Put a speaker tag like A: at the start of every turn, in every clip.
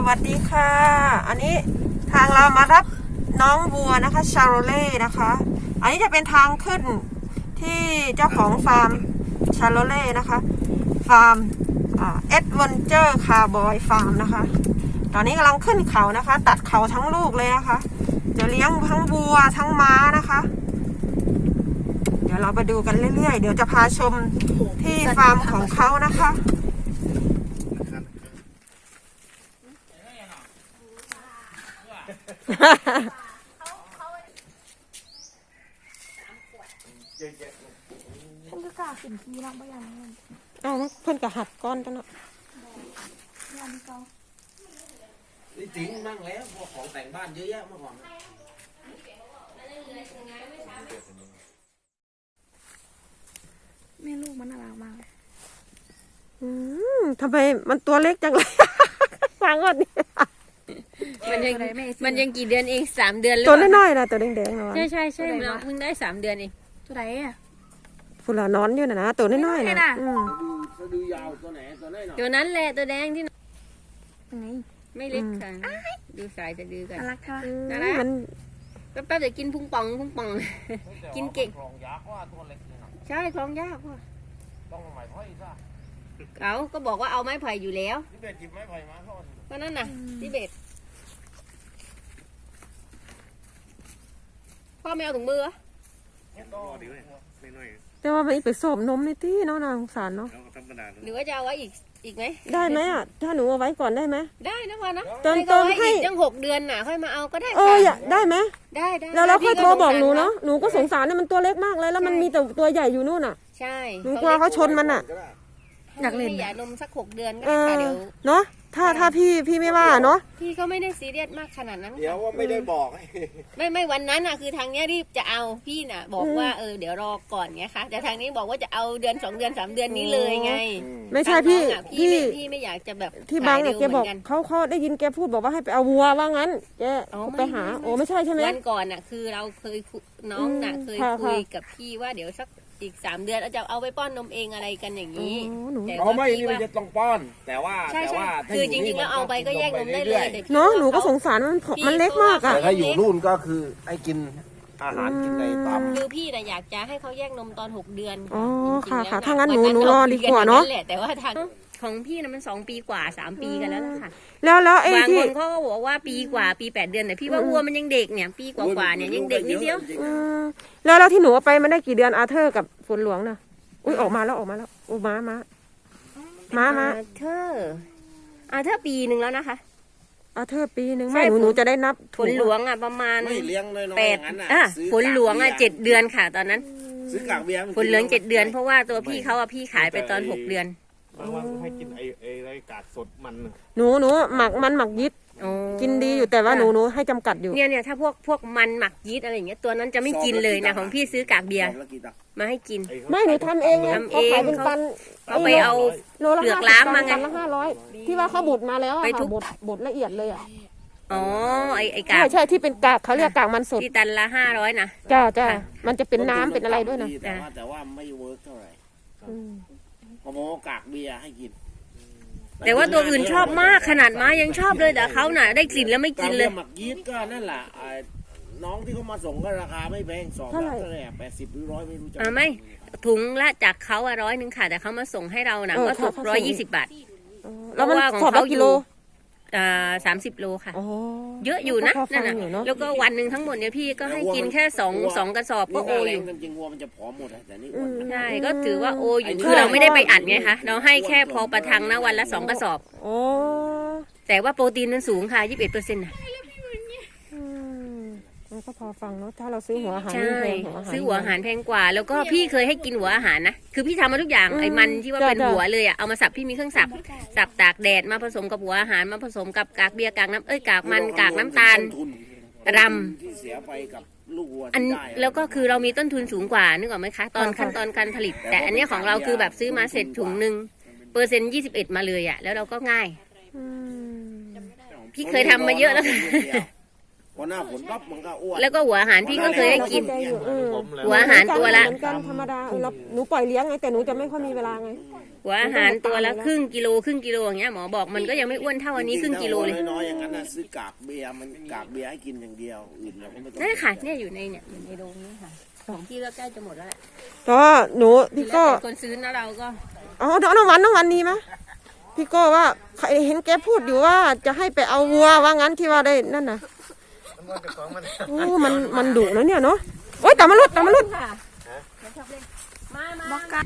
A: วัสดีค่ะอันนี้ทางเรามารับน้องวัวนะคะชาโรเล่นะคะอันนี้จะเป็นทางขึ้นที่เจ้าของฟาร์มชาโรเล่นะคะฟาร์มเอ็ดเวนเจอร์คาร์บอยฟาร์มนะคะตอนนี้กำลังขึ้นเขานะคะตัดเขาทั้งลูกเลยนะคะจะเลี้ยงทั้งวัวทั้งม้านะคะเดี๋ยวเราไปดูกันเรื่อยๆเดี๋ยวจะพาชมที่ฟาร์มของเขานะคะ
B: ฉันก็กล้าสินทีน้องไปอย่างนั้น
A: เอาเพิ่นกะหัดก้อนจังเนาะ
B: งานเขา
C: นี่จริงมั่งแล้วพวกของแต่งบ้านเยอะแยะเมื่อก่อน
B: แม่ลูกมันน่ารักมาก
A: ทำไมมันตัวเล็กจังเลย ฟังก่อนนี่
D: มันยังกี่เดือนเอง3 เดือนเลย
A: ตัวน้อยๆนะตัวแดงๆนะ
D: ใช่เราเพิ่งได้3 เดือนเอง
B: ตัวไหนอ่ะ
A: ฝุ่นละนอนอยู่นะตัวน้อยๆนะ
C: สะดือยาวตัวไหนตัวไหนหน่อย
D: ตัวนั้นแหละตัวแดงที่
B: ยังไง
D: ไม่เล็กค่ะดูสายจะดื้อกัน
B: น่ารักค่ะ
A: มัน
D: แป๊บๆเดี๋ยวกินพุงป่องกินเก่ง
C: คลองยักษ์ว่าตัวเล็กนี่นะ
D: ใช่คล้องยากว่ะ
C: ต้องหมายพ่อยซะ
D: เขาก็บอกว่าเอาไม้ไผ่อยู่แล้ว
C: ที่เป็ดจิบไม้ไผ่มาทอด
D: ก็นั่นน่ะที่เบ็ดพ่อไม่เอาถุงมือ
C: เนี่ยต่อดีเลยไม่น้อย
A: แต่ว่ามันไปสอบนมในที่เนาะนางสงสารเนาะ
C: แล้วธรรมดา
D: หรือว่าจะเอาไว้อีกไหม
A: ได้ไหมอ่ะถ้าหนูเอาไว้ก่อนได้ไหม
D: ได้นะพ่อนะ
A: เติม
D: ก็ไว้
A: ให้
D: อีกยัง6 เดือนน่ะค่อยมาเอาก็ได้
A: อยากได้ไหม
D: ได้
A: แล้วเราค่อยโทรบอกหนูเนาะหนูก็สงสารเนี่ยมันตัวเล็กมากเลยแล้วมันมีแต่ตัวใหญ่อยู่นู่นอ่ะ
D: ใช่
A: หนูกลัวเขาชนมันอ่ะ
D: อยากเล่นยานมสัก6 เดือนก็
A: เอ
D: ได้
A: อ
D: ค่ะเดี๋ยว
A: เนาะถ้าพี่ไม่ว่าเนาะ
D: พี่ก็ไม่ได้ซีเรียสมากขนาดนั้น
C: เดี๋ยวว่าไม่ได้บอก
D: ไม่วันนั้นน่ะคือทางเนี้ยรีบจะเอาพี่น่ะ บอกว่าเดี๋ยวรอก่อนไงคะแต่ทางนี้บอกว่าจะเอาเดือน2 เดือน3 เดือนนี้เลยไง
A: ไม่ใช่พี่
D: ทางน้องอ่ะพี่ไม่อยากจะแบบ
A: ที่บาง
D: ข
A: เนี่ย
D: ย
A: แก
D: ร็ว
A: บอก
D: หมืนน
A: เขาได้ยินแกพูดบอกว่าให้ไปเอาวัวว่างั้นแก
D: อ๋อ
A: ไปหาโอ้ไม่ใช่ใช่ไหม
D: วันก่อนน่ะคือเราเคยน้องน่ะเคย
A: ค่ะ
D: คุย
A: ค่ะ
D: กับพี่ว่าเดี๋ยวสักอีก3 เดือนเราจะเอาไปป้อนนมเองอะไรกันอย่างนี้
A: อ๋อหนู
D: แต่
C: เรา
D: ว่า
C: ไม่
D: พี่
C: นี่มัน
D: ว่า
C: จะต้องป้อน แต่ว่า
D: ใช่
C: แต่ว่า
D: คือจริงๆแล้วเอาไปก็แยกนมได้เลยแต่พี่
A: เนาะ
D: ว่
A: หนูก็สงสารมันเล็กมาก
C: แต่
A: อ่ะ
C: ถ้าอยู่นู่นก็คือให้กินอาหารกินในตาม
D: คือพี่น่ะอยากจะให้เขาแยกนมตอน6 เดือน
A: อ๋อ
D: จริงๆ
A: ค่ะ
D: แล้ว
A: ถ้างั้น
D: วั
A: หนูรอดีกว่าเนาะ
D: แหละแต่ว่าทางของพี่น่ะมัน2 ปีกว่า3 ปีกันแล้วล่ะค่ะ
A: แล้วไอ้
D: บาง
A: ที่
D: คนเขาก็บอกว่าปีกว่าปี8 เดือนแต่พี่ว่าวัวมันยังเด็กเนี่ยปีกว่าเนี่ยยังเด็กนิดเดียว
A: อืมแล้วที่หนูเอาไปมันได้กี่เดือนอาเธอร์กับฝนหลวงน่ะอุ้ยออกมาแล้วโอ้ม้า
D: เธอปีหนึ่งแล้วนะคะ
A: อาเธอร์ปีหนึ่ง
D: ใช่
A: ไม่หนูจะได้นับ
D: ฝนหลวงอ่ะประมาณ
C: ไม่เลี้ยงน้อยๆ
D: แป
C: อ
D: ด
C: ย่างนั้นน่ะ
D: อ่ะ
C: ซื้อ
D: ฝนหลวงอ่ะ7 เดือนค่ะตอนนั้น
C: ซื้อกากเบียร์
D: ฝนเหลือง7 เดือนเพราะว่าตัวพี่เขาอ่ะพี่ขายไปตอน6 เดือน
E: บางวันก็ให้กินไอ้ไรกากสดมันน่ะ
A: หนูหมักยิด
D: อ๋อ
A: กินดีอยู่แต่ว่าหนูให้จำกัดอยู่
D: เนี่ยถ้าพวกมันหมักยีสต์อะไรอย่างเงี้ยตัวนั้นจะไม่กินเลยนะของพี่ซื้อกากเบียร์
C: แล้วกี่ตัก
D: มาให้กิน
A: ไม่หนูทำเองไง
D: ทำเอง
A: เขาขายเป็นตัน
D: เขาไปเอา
A: โลละ
D: เปลือกล้างมาไง
A: ตันละ500ที่ว่าเขาบดมาแล้วอะ
D: ไปทุ
A: ค่ะ
D: บ
A: บดละเอียดเลยอ่ะ
D: อ๋อไอ้กาก
A: ใช่ที่เป็นกากเขาเรียกกากมันสด
D: ที่ตันละ500นะ
A: จ้า
D: ค่ะ
A: มันจะเป็นน้ำเป็นอะไรด้วยนะ
C: แต่ว่าไม่เวิร์กเท่าไหร่
A: อืม
C: พอโมกากเบียร์ให้กิน
D: แต่ว่าตัวอื่นชอบมากขนาดม้ายังชอบเลยแต่เขาน่ะได้กลิ่นแล้วไม่กินเลย
C: หมักยีสต์ก็นั่นแหละน้องที่เขามาส่งก็ราคาไม่แพง2 เท่าไหร่80 หรือ 100ไม่รู้จะ
D: ไม่ถุงละจากเขา100ค่ะแต่เขามาส่งให้เรานะก็ตก120 บาท
A: แล้วมัน
D: เพราะว่าของ
A: สอบละ
D: เขา
A: กิโล
D: 30 โลค่ะ
A: อ๋อ
D: เยอะอยู่นะ
A: ก็พอฟั
D: นั่
A: ง
D: น
A: อยู่
D: น่ะ
A: เนอะ
D: แล้วก็วันหนึ่งทั้งหมดเนี่ยพี่ก็ให้กินแค่2 กระสอบก็โออยู่
C: จริงๆวัวมันจะผอมหมดแต่นี่อ้วน
D: ใช่ก็ถือว่าโออยู่คือเราไม่ได้ไปอัดไงคะเราให้แค่พอประทังนะวันละ2 กระสอบ
A: โอ้
D: แต่ว่าโปรตีนมันสูงค่ะ 21%นะ
A: มันก็พอฟังเนาะถ้าเราซื้อหัวอาหาร
D: ใช่
A: นี่แพงหัวอาหาร
D: ซื้อหัวอาหารแพงกว่า แล้วก็พี่เคยให้กินหัวอาหารนะคือพี่ทำมาทุกอย่างไอ้มันที่ว่าเป็นหัวเลยอ่ะเอามาสับพี่มีเครื่องสับตากแดดมาผสมกับหัวอาหารมาผสมกับกากเบียร์กากน้ำกากมันกากน้ำตาล รำ
C: ที่เสียไปกับลูกวัว
D: อัน
C: ที่ได้
D: แล้วก็คือเรามีต้นทุนสูงกว่านึกออกไหมคะตอนขั้นตอนการผลิต แต่อันเนี้ยของเราคือแบบซื้อมาเสร็จถุงหนึ่ง% 21มาเลยอ่ะแล้วเราก็ง่าย
A: อืม
D: พี่เคยทำมาเยอะแล้วค่ะ
C: พอหน้าฝนปั๊บมันก็อ้วน
D: แล้วก็หัวอาหารพี่ก็เคยให้กิน
A: เข้าใจอยู่
E: ผมแล้ว
D: หัวอาหารตัวละ
A: เหมือนกันธรรมดาหนูปล่อยเลี้ยงไงแต่หนูจะไม่ค่อยมีเวลาไง
D: หัวอาหารตัวละครึ่งกิโลอย่างเงี้ยหมอบอกมันก็ยังไม่อ้วนเท่าอันนี้ครึ่งกิโลเลย
C: น้อยๆอย่างนั้นนะซื้อกากเบียร์มันกากเบียร์ให้กินอย่างเดียวอื่นเราก็ไม่ต้อง
D: นั่นค่ะเนี่ยอยู่ในโรงนี้ค่ะของพี่ก็ใกล้จะหมดแล้วแหละ
A: ก็หนูพี่โก้
D: แล้วแต่คนซื้อนะเราก็
A: อ๋อน้องวันนี้ไหมพี่โก้ว่าเห็นแกพูดอยู่ว่าจะให้ไปเอาวัวว่างั้นที่ว่าได้นั่นน่ะโอ้มันดุนะเนี่ยเนาะโอ๊ยตามมาลุด
D: ค่ะมา
B: บอกกัน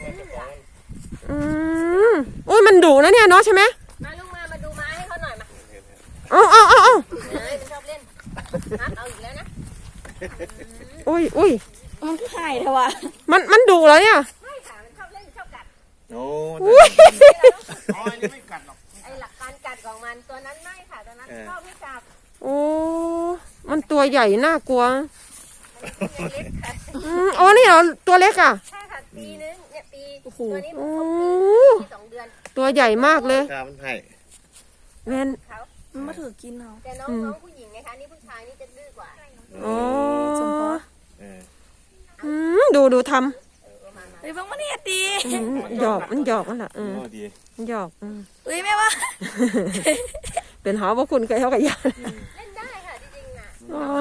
A: โอ้ยมันดุนะเนี่ยเนาะใช่ไหม
D: มาลูกมาดูม้าให้เขาหน่อยมา
A: เอา
D: มันชอบเล่นนัดเอาอีกแล้วนะ
A: อุ้ย
B: มันคือไข่เถอะวะ
A: มันดุเหรอเนี่ย
D: ไม่ค่ะมันชอบเล่นชอบกัด
E: โอ้
C: อ๋ออันนี้ไม่กัดหรอก
D: ไอหลักการกัดของมันตัวนั้นไม่ค่ะตัวนั้นชอบให้จับ
A: โอ้มันตัวใหญ่น่ากลัว
D: มันเล็กค่ะ
A: อ๋อนี่เหรอตัวเล็กอ่ะ
D: ใช่ค่ะปีนึงเนี่ยปี
A: โอ้โห
D: ตัวนี้มันครบปี2 เดือน
A: ตัวใหญ่มากเลย
E: กามันให้
A: แม่น
D: เขา
B: มันมาถือกินเอา
D: แต่น้องผู้หญิงนะคะนี่ผู้ชายนี่จะดื้อกว่า
A: อ๋อ
B: สมพอ
E: เออ
A: ดูท
B: เฮ้ยบังมันเนี่ยดี
A: ำหยอกมันหยอกนั่นแหละ
E: โอ้ดี
A: มันหยอก
B: เฮ้ยแม่ว่า
A: เป็นหาว่าคุณเคยเท่ากับยา
D: เล่นได้ค่ะจริงๆน่ะ
A: อ๋อ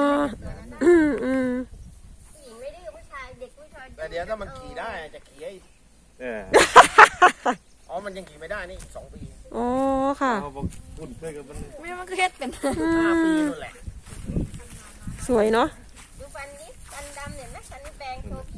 D: ผู้หญิงไม่ดื้อผู้ชายเด็กผู้ชาย
C: แต่เดี๋ยวถ้ามันขี่ได้จะขี่ให้
E: เออ
C: อ๋อมันยังขี่ไม่ได้นี่อีก2 ปี
A: อ๋อค่ะ
E: เอาบอกคุณเพื่อนกันมัน
B: แม่มันก็เฮ็ดเป็น
C: 5 ปีนู่นแหละ
A: สวยเนาะ
D: ดูฟันนี้ฟันดำเนี่ยนะฟันนี่แปลงโชว์พี่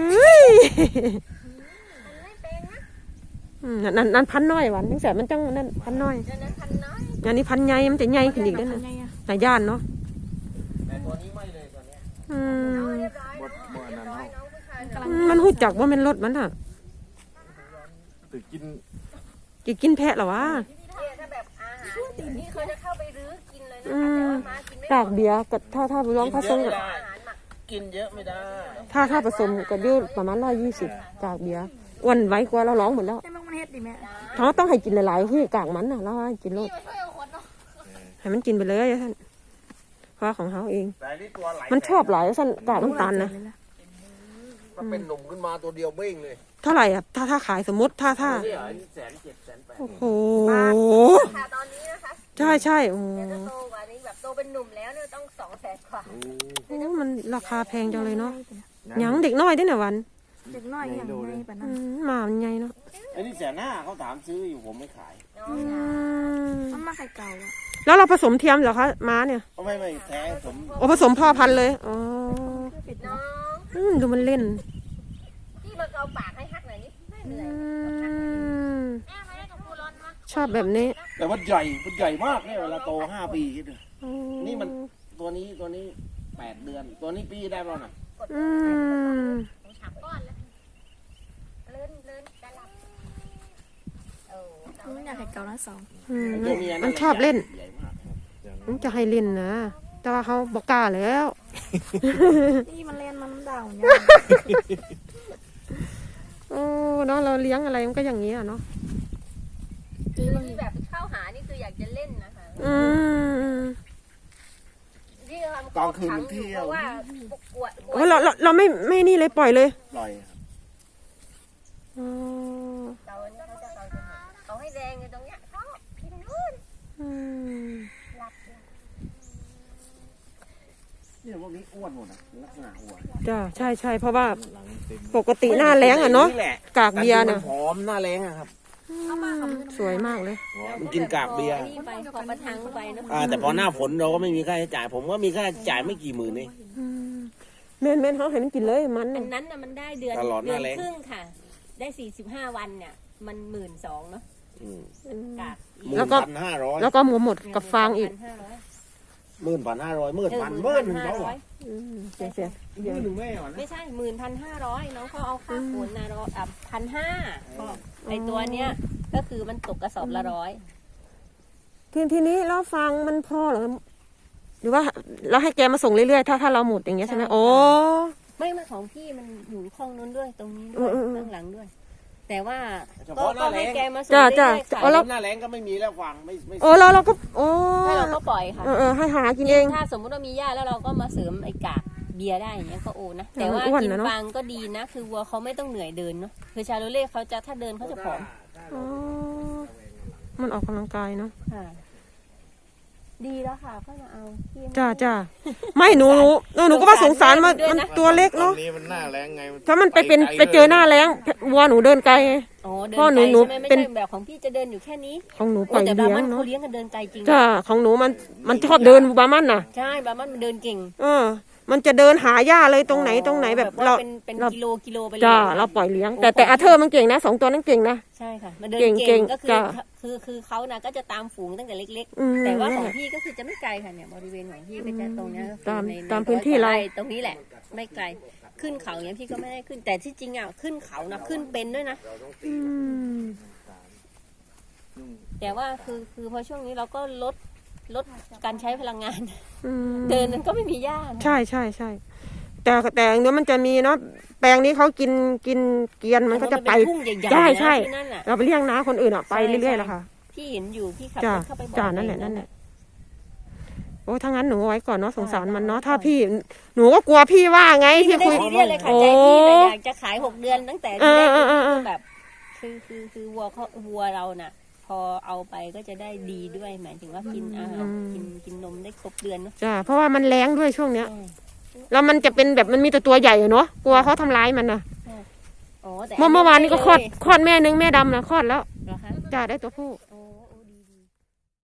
D: มันไม่แปลงนะ
A: นั่นพันน้อยหวันตั้งแต่มันจังนั่นพันน้อย
D: เดี๋ยวนั้นพันน้อย
A: อันนี้พันใหญ่มันจะใหญ่ขึ้นอีกแล้วนะ
B: ไงอะ
A: นายย่านเนาะ
C: แต่ตัวนี้ไม่เลยตัวเนี้ย
D: น้องเรียบร้อยน้องน้องผู้ชายเนาะ
A: มันหูจักว่ามันรถมันอ่ะ
E: ตึกกิน
A: จะกินแพะเหรอวะ
D: เนี่ยถ้าแบบอาหารนี่เขาจะเข้าไปรื้อกินเลยนะคะแต่ว่าม้ากินไม่หม
A: กาก
D: ด
A: เบียร์กับถ้าร้องผสมกับ
D: อาหารหมัก
C: กินเยอะไม่ได้
A: ถ้าผสมกับดิ้วประมาณ120กากเบียร์อ้วนไว้กว่าเราร้องหมดแล้ว
B: ให้บังมันเฮ็ดดิแม่
A: เขาต้องให้กินหลายๆที่กากมันน่ะแล้วให้กินโลด
D: มาช่วยเอาคนเนาะ
A: ให้มันกินไปเลยท่านเพราะของเขาเอง
C: แต่นี่ตัวไหล
A: มันชอบหลายท่านกากน้ำตาลนะ
C: มันเป็นหนุ่มขึ้นมาตัวเดียวเบ้งเลย
A: เท่าไหร่อ่ะถ้าขายสมมติถ้า
C: นี่เหรอ107,000 108,000
A: โอ้โห
D: ค่ะตอนนี้นะคะ
A: ใช่โอ้
D: เดี๋ยวจะโตกว่านี้แบบโตเป็นหนุ่มแล้วเนี่ยต้อง200,000 กว่า
A: โหมันราคาแพงจังเลยเนาะหยังเด็กน้อยด้วยเนี่ยวัน
B: เด็กน้อยอย่างไรปะนั้น
A: หมามันใหญ่เนาะ
C: อันนี้150,000เขาถามซื้ออยู่ผมไม่ขาย
D: น้อง
B: มันมาไข่เก่าอะ
A: แล้วเราผสมเทียมเหรอคะม้าเนี่ย
C: ก็ไม่แท้ผม
A: โอ้ผสมพ่อพันธุ์เลยอ๋อ
D: น้อง
A: ดูมันเล่น
D: พี่มาเกาปากให้ฮักหน่อยนี่ไม่เหนื่อย แม่มาเล่นกับครูร้อนมา
A: ชอบแบบนี้
C: แต่ว่าใหญ่มากเนี่ยเวลาโต5 ปีคิดดูนี่มันตัวนี้8 เดือน ตัวนี้ปีได้แล้วน่ะ
A: อืม
D: ผมฉับก้อนแล้วเลื่อนจะหลับโอ้
B: มันอยากไข่เก่านะสอง
C: ตัวเมีย
A: มันชอบเล่น
C: ใหญ่มาก
A: มันจะให้เล่นนะแต่ว่าเขาบอกกล้าแล้ว
B: นี่มันเล่นมันด่าเนี่ย
A: โอ้เนาะเราเลี้ยงอะไรมันก็อย่างนี้อ่ะเนาะ
D: คือที่แบบเข้าหานี่คืออยากจะเล่นนะคะ
A: อืม
D: ที่ทำเพราะว่าปวด
A: โอ้เราไม่นี่เลยปล่อยเลย
C: ปล่อยครับ
A: อ๋อ
D: เราเนี่ยเขาจะเขาให้แดงอยู่ตรงเนี้ยชอบพี่ตรงนู้น
A: อืม
D: หลับ
C: เนี่ยพวกนี้อ้วนหมดนะลักษณะอ้วน
A: จ้าใช่เพราะว่าปกติหน้าแรงอ่ะเนาะ
C: แหล
A: กากเบียร์เนี่ย
C: ผอมหน้าแรงอะครับ
A: สวยมากเลย
C: มันกินกากเบียร์
D: ไปขอประทังไปเนาะ
C: แต่พอหน้าฝนเราก็ไม่มีค่าใช้จ่าย ผมก็มีค่าใช้จ่ายไม่กี่หมื่นเอง
A: เมนเขาให้มันกินเลยมัน
D: อันนั้นน่ะมันได้เดือน
C: ตลอดหน้าแล้ง
D: ครึ่งค่ะ ได้45 วันเนี่ยมัน12,000เนาะกาก
C: 1,500
A: แล้วก็หมดกับฟางอีก
C: 11,500 11,000 11,000เขาเหรอ
A: เสีย
C: 11,000แม่เหรอ
D: ไม่ใช่11,500น้องเขาเอาค่าขนนะ1,500ไอตัวเนี้ยก็คือมันตกกระสอบละ100
A: ทีนี้เราฟังมันพอเหรอหรือว่าเราให้แกมาส่งเรื่อยๆถ้าเราหมดอย่างเงี้ยใช่ไหมโอ้
D: ไม่ของพี่มันอยู่ห้องนู้นด้วยตรงนี้ด้วยข้างหลังด้วยแต่ว่า
C: เฉ
D: ก็
C: พาะหน้าแล้
D: ให้
C: ง
D: แกมาส่ง
A: จ้ะ
D: เรื่อยๆ
A: จ้ะ
D: ค่ะ
C: แล้วหน้าแรงก็ไม่มีแล้วฟางไม่
A: โอ้เราก็โอ้
D: ให้เราก็ปล่อยค่ะ
A: ให้หากินเอง
D: ถ้าสมมติว่ามีหญ้าแล้วเราก็มาเสริมไอ้กากเบียร์ได้อย่างเงี้ยก็โอนะ แต่ว่า
A: อ้วน
D: กิน
A: นะเนอะ
D: ฟางก็ดีนะ คือวัวเขาไม่ต้องเหนื่อยเดินเนาะคือชาโลเล่เขาจะถ้าเดินเขาจะผอม
A: อ๋อมันออกกำลังกายเนาะ
D: ค่ะ ดีแล้วค่ะก็มาเอาพี่
A: จ้าไม่หนูก็ว่าสงสารมันตัวเล็ก
E: ตอน
A: เนาะ
E: นี้มันหน้าแรงไง
A: ถ้ามันไปเจอหน้าแล้งวัวหนูเดินไกลไง
D: อ๋อเดิน
A: พ่อห
D: ไก
A: นู
D: ลใช่ไหมไม่
A: เป็น
D: ใช่แบบของพี่จะเดินอยู่แค่นี้
A: ของหนูปล่อย
D: แต่บา
A: เลี้ย
D: มั
A: ง
D: นเขา
A: เนาะ
D: เลี้ยงกันเดินไกลจริง
A: จ้าของหนูมันชอบเดินบามันน่ะ
D: ใช่บามันเดินเก่ง
A: มันจะเดินหาหญ้าเลยตรงไหนแบบ
D: ว่า
A: เรา
D: เป็น
A: เรา
D: กิโลไปเลย
A: จ้าเราปล่อยเลี้ยง แต่อาเธอร์มันเก่งนะ2 ตัวนั้นเก่งนะ
D: ใช่ค่ะมันเดิน
A: เก่
D: เก่
A: ง
D: งก็คือ
A: จ้ะ
D: คือเขานะก็จะตามฝูงตั้งแต่เล็ก
A: อืม
D: ๆ แต่ว่าของ
A: นั่นแหละ
D: พี่ก็คือจะไม่ไกลค่ะเนี่ยบริเวณของพี่ก็จะตรงเนี้ยก็คือ
A: ตาม
D: ใน
A: ตามพื้นที่เรา
D: ไตรงนี้แหละ ไม่ไกลขึ้นเขาอย่างพี่ก็ไม่ได้ขึ้น แต่ที่จริงอ่ะขึ้นเขานะขึ้นเป็นด้วยนะ
A: อืม
D: แต่ว่าคือพอช่วงนี้เราก็ลดการใช้พลังงาน
A: อืม
D: เดินมันก็ไม่มีหญ้านะ
A: ใช่แต่เนื้อมันจะมีเนาะแปลงนี้เขากินเกวียนมันก็จะไป
D: เป็นทุ่งใหญ่ๆ
A: ใช่
D: นะ
A: ใช่
D: ที่นั่นอ่ะ
A: เราไปเลี้ยงน้าคนอื่นอ่ะไป
D: ใช่
A: เรื่อยๆแล้วค่ะ
D: พี่เห็นอยู่พี่ขับ
A: จ้าร
D: ถเข้าไปบ่อย
A: จ้านั่นแหละโอ้ถ้างั้นหนูเอาไว้ก่อนเนาะสงสารมันเนาะถ้า
D: ใช่
A: พี่หนูก็กลัวพี่ว่าไง
D: พี่
A: ที่
D: ไม่ได้
A: คุย
D: ซีเรียสเลยค่ะใจพี่แต่อยากจะขาย6 เดือนตั้งแต่ที่แรกคือแบบคือวัวเราน่ะ พอเอาไปก็จะได้ดีด้วยหมายถึงว่ากินอาหารกินนมได้ครบเดือนเนาะ
A: จ้าเพราะว่ามันแรงด้วยช่วงเนี้ย
D: ใช่
A: แล้วมันจะเป็นแบบมันมีแต่ตัวใหญ่อะเนาะกลัวเขาทำร้ายมันนะ
D: อ๋อแต่
A: เมื่อวานนี้ก็คลอดแม่นึงแม่ดำนะคลอดแล้ว
D: เหรอคะ
A: จ้าได้ตัวผู้